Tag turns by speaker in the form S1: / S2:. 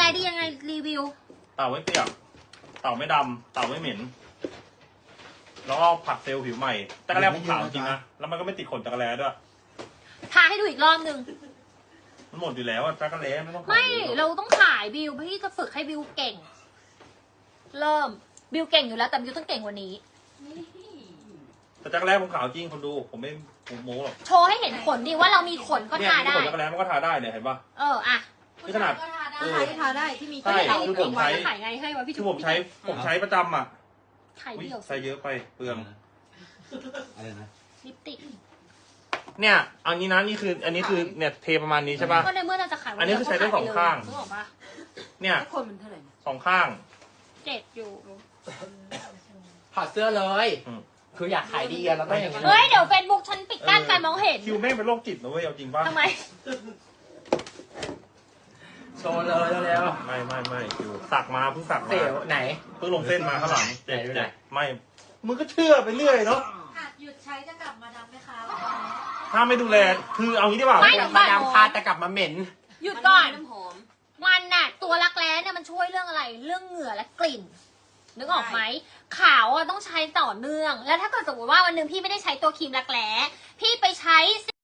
S1: แร้ดียังไงรีวิว
S2: เต่าไม่เปียกเต่าไม่ดำเต่าไม่เหม็นแล้วก็ผัดเซลล์ผิวใหม่จักรแร้ผมขาวจริงนะแล้วมันก็ไม่ติดขนจักรแร้ด้วย
S1: ทาให้ดูอีกรอบนึง
S2: มันหมดอยู่แล้วอะจักรแร้ไม่ต้อง
S1: ไม่เราต้องขายบิวพี่จะฝึกให้บิวเก่งเริ่มบิวเก่งอยู่แล้วแต่บิวต้องเก่งกว่านี้
S2: แต่จักรแร้ผมขาวจริงคนดูผมไม่โม้หรอก
S1: โชว์ให้เห็นขนดิว่าเรามีขนก็ทาได้
S2: ขนจักรแร้มันก็ทาได้เนี่ยเห็นปะ
S1: อ่ะ
S2: นี่ขนาด
S3: ทาได้ที่มี
S2: ใช่คือผมใช้
S1: ขายไงให้วะพี่
S2: คือผมใช้ประจำอ่ะ
S1: ขายเดี่ยว
S2: ใช้เยอะไปเปลือง
S4: อะไรนะ
S1: ลิปติก
S2: เนี่ยอันนี้นะนี่คืออันนี้คือเนี่ยเทประมาณนี้ใช่ป่ะ
S1: ก็ในเมื่อเราจะขาย
S2: อันนี้คือใช้ได้สองข้างเนี่ย
S3: คนมันเท่าไหร่
S2: สองข้าง
S1: 7อยู่
S4: ถอดเสื้อเลยคืออยากขายดีอะเราต้องอย่างนี้
S1: เฮ้ยเดี๋ยวเฟซบุ๊กฉันปิดกั้นการมองเห็น
S2: คิวแม่งเป็นโรคจิตนะเว้ยเอาจริงป่ะ
S1: ทำไม
S4: โชว์เลยเร็ว
S2: ไม่คิวสักมาเพิ่งสักมา
S4: เสี่ยวไหน
S2: เพิ่งลงเส้นมาข้างหลัง
S4: เจ็บ
S2: ไม่มึงก็เชื่อไปเรื่อยเนาะ
S3: หยุดใช้จะกลับมาดำไหมคะ
S2: ถ้าไม่ดูแลคือเอางี้ดีกว่า
S4: มาดามพาแต่กลับมาเหม็น
S1: หยุดก่อนมันน่ะตัวรักแร้เนี่ยมันช่วยเรื่องอะไรเรื่องเหงื่อและกลิ่นนึกออกไหมขาวอ่ะต้องใช้ต่อเนื่องแล้วถ้าเกิดสมมติว่าวันหนึ่งพี่ไม่ได้ใช้ตัวครีมรักแร้พี่ไปใช้